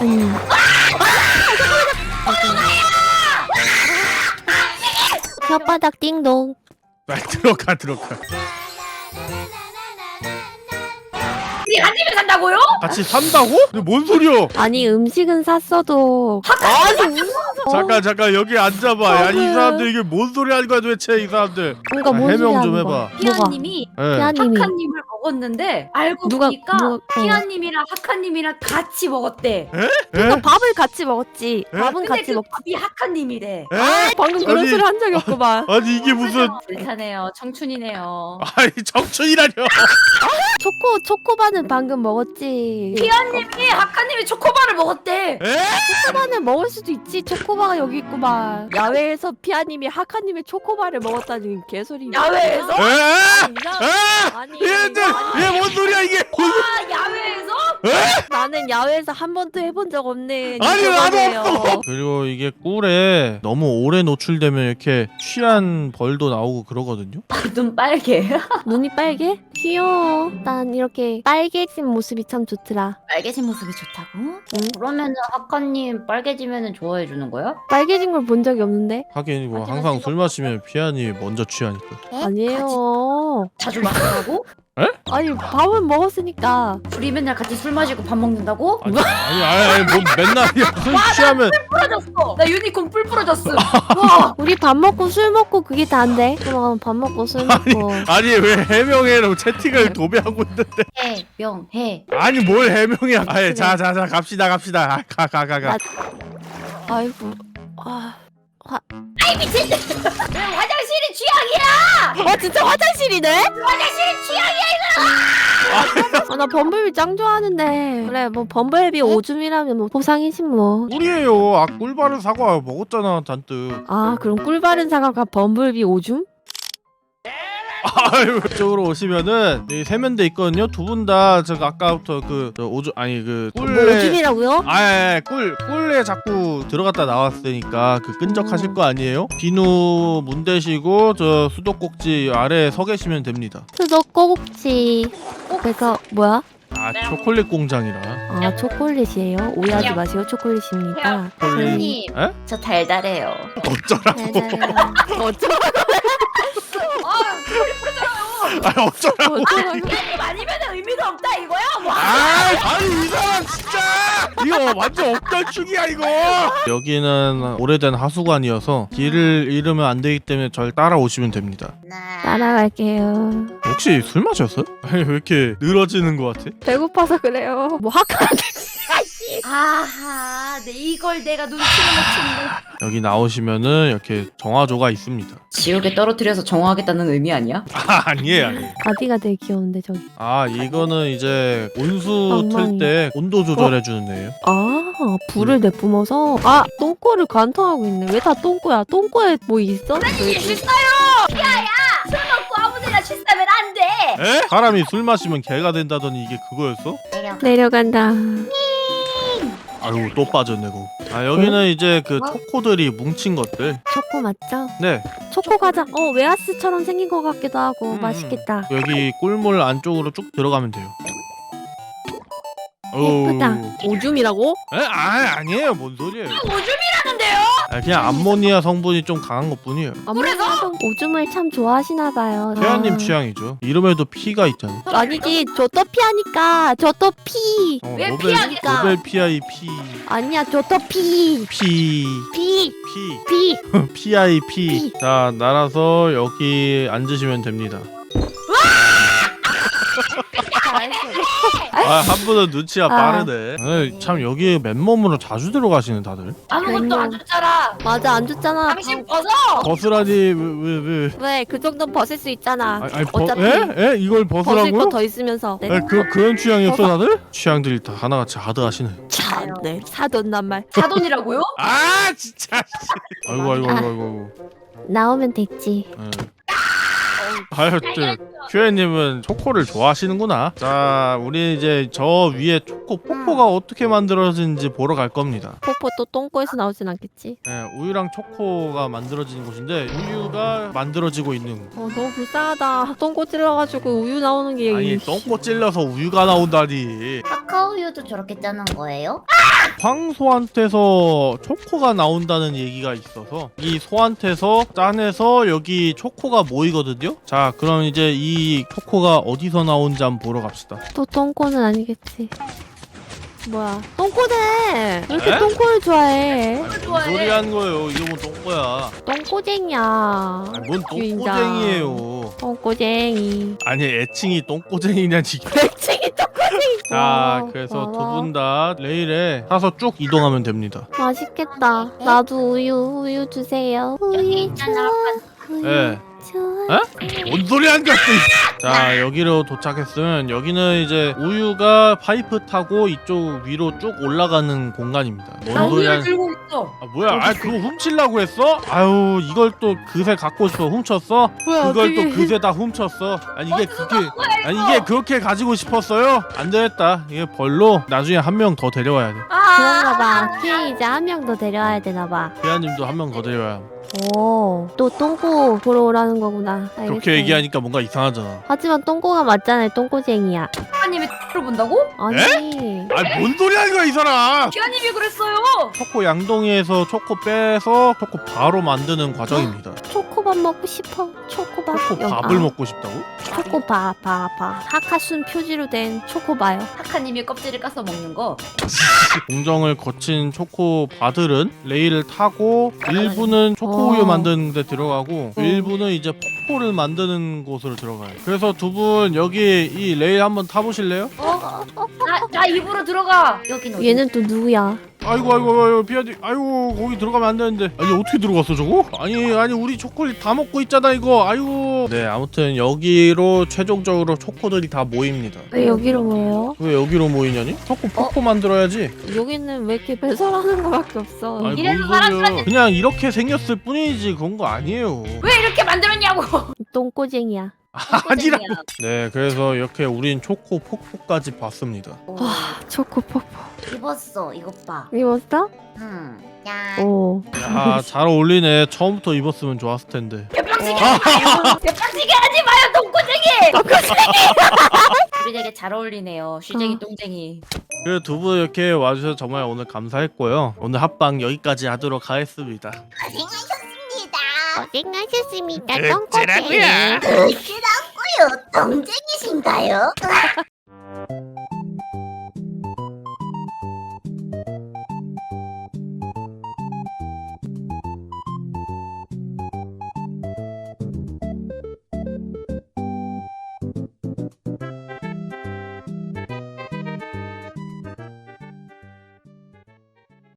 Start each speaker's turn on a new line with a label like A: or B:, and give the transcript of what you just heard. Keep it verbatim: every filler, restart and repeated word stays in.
A: 아니. 혓바닥 띵동.
B: 빨리 들어가 들어가.
C: 우리 한 집에 산다고요?
B: 같이 산다고? 근데 뭔 소리야?
A: 아니 음식은 샀어도. 아니 무서워.
B: 잠깐 잠깐 여기 앉아봐. 야, 이 사람들 이게 뭔 소리 하는 거야 도대체 이 사람들.
A: 그러니까
B: 아,
A: 뭔 소리
B: 해명 좀
A: 하는
B: 해봐.
A: 거야?
C: 피아님이
B: 네.
A: 피아님이
C: 하카님을 먹었는데 알고
A: 누가-
C: 보니까
A: 누가- 어.
C: 피아님이랑 하카님이랑 같이 먹었대.
A: 그러니까 밥을 같이 먹었지.
B: 에?
A: 밥은
C: 근데
A: 같이
C: 그
A: 먹.
C: 밥이 하카님이래.
B: 에?
A: 방금 그런
B: 아니-
A: 소리 한 적이 없구만.
B: 아니 이게 무슨
C: 불타네요. 청춘이네요.
B: 아니 정춘이라뇨.
A: 초코 초코바는 방금 먹었지.
C: 피아님이 하카님이 초코바를 먹었대.
B: 에?
A: 초코바는 먹을 수도 있지. 초코바가 여기 있구만. 야외에서 피아님이 하카님의 초코바를 먹었다니 개소리.
C: 야외에서?
B: 에?
A: 아니, 이상-
B: 에?
A: 아니,
B: 얘들 얘 뭔 소리야 이게?
C: 아 야외에서?
A: 나는 야외에서 한 번도 해본 적 없는
B: 아니 나도
A: 유튜버예요.
B: 없어. 그리고 이게 꿀에 너무 오래 노출되면 이렇게 취한 벌도 나오고 그러거든요.
C: 눈 빨개.
A: 눈이 빨개? 귀여워. 난 이렇게 빨개진 모습이 참 좋더라.
C: 빨개진 모습이 좋다고? 그러면은 하카님 빨개지면은 좋아해 주는 거야?
A: 빨개진 걸 본 적이 없는데?
B: 하긴 뭐
C: 하지만
B: 항상
C: 지금-
B: 술 마시면 피아니 먼저 취하니까.
A: 아니에요.
C: 자주 마시라고?
A: 아니 밥은 먹었으니까.
C: 둘이 맨날 같이 술 마시고 밥 먹는다고?
B: 아니 아니 아니, 아니 뭐 맨날이야. 술 취하면
C: 부러졌어. 나 유니콘 뿔 부러졌어. 와.
A: 우리 밥 먹고 술 먹고 그게 다인데? 그럼 밥 먹고 술 먹고.
B: 아니 왜 해명해로 채팅을 도배하고 있는데?
C: 해명해.
B: 아니 뭘 해명이야? 아예 자자자 갑시다 갑시다. 가 가 가 가.
A: 나- 아이고. 아.
C: 아이 미친. 왜 화장실이 취향이야?
A: 어 진짜 화장실이네?
C: 화장실이 취향이야.
A: 아, 나 범블비 짱 좋아하는데. 그래 뭐 범블비 오줌이라면 뭐 보상이지 뭐.
B: 꿀이에요. 아 꿀바른 사과 먹었잖아 잔뜩.
A: 아 그럼 꿀 바른 사과가 범블비 오줌?
B: 아유 이쪽으로 오시면은 이 세면대 있거든요. 두 분 다 저 아까부터 그 저 오줌 아니 그
A: 뭐
B: 꿀에
A: 오줌이라고요?
B: 아예 꿀 꿀에 자꾸 들어갔다 나왔으니까 그 끈적하실 거 아니에요? 비누 문 대시고 저 수도꼭지 아래에 서 계시면 됩니다.
A: 수도 꼬국지. 그래서 뭐야?
B: 아 초콜릿 공장이라.
A: 아 초콜릿이에요? 오해하지 마세요. 초콜릿입니다.
C: 선생님.
B: 에?
C: 저 달달해요.
B: 어쩌라고?
A: 어쩌라고?
C: 아, 뿔이 부러져요.
B: 아 어쩌라고?
A: 어쩌라고?
C: 피아님 아니면 의미가 없다 이거야? 뭐?
B: 아 아니 이 사람 진짜 이거 완전 억달충이야 이거. 여기는 오래된 하수관이어서 길을 잃으면 안 되기 때문에 절 따라오시면 됩니다.
A: 따라갈게요.
B: 혹시 술 마셨어요? 아니 왜 이렇게 늘어지는 것 같아?
A: 배고파서 그래요. 뭐 학과
C: 아하, 네, 이걸 내가 눈치를 못 챘네.
B: 여기 나오시면은 이렇게 정화조가 있습니다.
C: 지옥에 떨어뜨려서 정화하겠다는 의미 아니야?
B: 아 아니에요 아니에요.
A: 가디가 되게 귀여운데 저기.
B: 아 이거는 이제 온수 틀
A: 엉망이.
B: 때 온도 조절해 주는 애예요.
A: 아 불을 내뿜어서 아 똥꼬를 관통하고 있네. 왜 다 똥꼬야? 똥꼬에 뭐 있어?
C: 이게 실사요! 야야! 술 먹고 아무데나 실사면 안 돼!
B: 에? 사람이 술 마시면 개가 된다더니 이게 그거였어?
A: 내려간다.
B: 아유 또 빠졌네 그거. 아 여기는 이제 그 초코들이 뭉친 것들.
A: 초코 맞죠?
B: 네
A: 초코 과자. 어 웨하스처럼 생긴 것 같기도 하고
B: 음,
A: 맛있겠다.
B: 여기 꿀물 안쪽으로 쭉 들어가면 돼요.
A: 예쁘다.
B: 어우.
A: 오줌이라고?
B: 에? 아 아니에요 뭔 소리예요?
C: 오줌이라는데요?
B: 아, 그냥 암모니아 성분이 좀 강한 것뿐이에요.
A: 아무래도 오줌을 참 좋아하시나 봐요.
B: 태연님
A: 아.
B: 취향이죠. 이름에도 피가 있잖아.
A: 아니지 저또 피하니까 저또 피.
B: 어,
C: 왜
B: 노벨,
C: 피하니까?
B: 노벨 피아이 피.
A: 아니야 저또 피.
B: 피.
A: 피.
B: 피.
A: 피.
B: 피아이 피.
A: 피.
B: 자, 날아서 여기 앉으시면 됩니다. 아, 한 분은 눈치가
A: 아.
B: 빠르네. 아니, 참 여기 맨몸으로 자주 들어가시는 다들.
C: 아무것도 안 줬잖아.
A: 맞아 안 줬잖아.
C: 당신 벗어!
B: 벗으라니 왜 왜 왜?
A: 왜 그 정도는 벗을 수 있잖아.
B: 아니, 아니 벗,
A: 어차피
B: 에? 에? 이걸
A: 벗을
B: 벗으라고요?
A: 거 더 있으면서. 네.
B: 에, 그 그런 취향이었어 다들? 취향들이 다 하나같이 하드하시네.
A: 참, 네. 사돈난 말.
C: 사돈이라고요?
B: 아 진짜. 아이고 아이고 아이고 아이고.
A: 나오면 됐지.
B: 예. 아유, 큐에님은 초코를 좋아하시는구나. 자, 우리 이제 저 위에 초코 포포가 어떻게 만들어지는지 보러 갈 겁니다.
A: 포포 또 똥꼬에서 나오진 않겠지?
B: 예, 우유랑 초코가 만들어지는 곳인데 우유가 만들어지고 있는.
A: 어 너무 불쌍하다. 똥꼬 찔러가지고 우유 나오는 게.
B: 아니, 똥꼬 찔러서 우유가 나온다니.
C: 아까워 우유도 저렇게 짜는 거예요?
B: 황소한테서 초코가 나온다는 얘기가 있어서 이 소한테서 짜내서 여기 초코가 모이거든요. 자, 그럼 이제 이 초코가 어디서 나온지 한번 보러 갑시다.
A: 또 똥꼬는 아니겠지. 뭐야? 똥꼬네. 왜 이렇게
B: 에?
A: 똥꼬를 좋아해?
B: 뭔 소리 하는 거예요? 이거 뭐 똥꼬야.
A: 똥꼬쟁이야.
B: 아니, 뭔
A: 주인장.
B: 똥꼬쟁이에요.
A: 똥꼬쟁이.
B: 아니, 애칭이 똥꼬쟁이냐지.
A: 백칭이 똥꼬쟁이.
B: 자, 그래서 두 분 다 레일에 타서 쭉 이동하면 됩니다.
A: 맛있겠다. 나도 우유 우유 주세요.
C: 여기
A: 우유
C: 있잖아.
A: 좋아. 우유
B: 예.
A: 좋아.
B: 에? 뭔 소리 하는 거야? 또. 자, 여기로 도착했으면 여기는 이제 우유가 파이프 타고 이쪽 위로 쭉 올라가는 공간입니다.
C: 나
B: 뭔 소리
C: 우유를
B: 하는
C: 들고 있어.
B: 아, 뭐야? 아, 그거 훔치려고 했어? 아유, 이걸 또 그새 갖고 싶어 훔쳤어?
A: 뭐야,
B: 그걸 또
A: 어떡해.
B: 그새 다 훔쳤어. 아니 이게 그게 아니 이게 그렇게 가지고 싶었어요? 안 되겠다. 이게 벌로 나중에 한 명 더 데려와야 돼.
A: 그런가 봐. 피해 이제 한 명 더 데려와야 되나 봐.
B: 피아님도 한 명 더 데려와야 돼.
A: 오, 또 똥꼬 보러 오라는 거구나. 알겠어.
B: 그렇게 얘기하니까 뭔가 이상하잖아.
A: 하지만 똥꼬가 맞잖아요. 똥꼬쟁이야.
C: 피아님이 X를 본다고?
A: 아니.
B: 아, 뭔 소리 하는 거야, 이 사람?
C: 피아님이 그랬어요.
B: 초코 양동이에서 초코 빼서 초코 바로 만드는 과정입니다.
A: 초코밥 먹고 싶어. 초코밥.
B: 초코
A: 여기,
B: 밥을
A: 아,
B: 먹고 싶다고?
A: 초코바, 바, 바. 하카순 표지로 된 초코바요.
C: 하카님이 껍질을 까서 먹는 거.
B: 공정을 거친 초코 바들은 레일을 타고 일부는 초코 우유
A: 어.
B: 만드는 데 들어가고
A: 어.
B: 일부는 이제 폭포를 만드는 곳으로 들어가요. 그래서 두 분 여기 이 레일 한번 타보실래요?
C: 어? 나, 나 입으로 들어가. 여긴 어디?
A: 얘는 또 누구야?
B: 아이고 아이고 아이고 비아디 아이고 거기 들어가면 안 되는데 아니 어떻게 들어갔어 저거? 아니 아니 우리 초콜릿 다 먹고 있잖아 이거 아이고 네 아무튼 여기로 최종적으로 초코들이 다 모입니다.
A: 왜 여기로 모여요?
B: 왜 여기로 모이냐니? 초코 폭포 만들어야지.
A: 여기는 왜 이렇게 배설하는 거밖에 없어?
B: 아니
C: 이래서
B: 뭔 소리야.
C: 사람들한테-
B: 그냥 이렇게 생겼을 뿐이지 그런 거 아니에요.
C: 왜 이렇게 만들었냐고.
A: 똥꼬쟁이야.
B: 아니라고. 네 그래서 이렇게 우린 초코 폭포까지 봤습니다.
A: 아, 초코뽀뽀.
C: 입었어. 이것 봐.
A: 입었어?
C: 응. 야.
A: 오.
B: 야 잘 어울리네. 처음부터 입었으면 좋았을 텐데.
C: 개빵치기 하지 마요. 개빵치기 하지 마요. 똥꼬쟁이. 우리 되게 잘 어울리네요. 쉬쟁이
A: 어.
C: 똥쟁이.
B: 그 두 분 이렇게 와주셔서 정말 오늘 감사했고요. 오늘 합방 여기까지 하도록 하겠습니다.
A: 고생하셨습니다.
B: 어쩌라고요?
A: 똥꼬쟁이.
C: 똥쟁이신가요?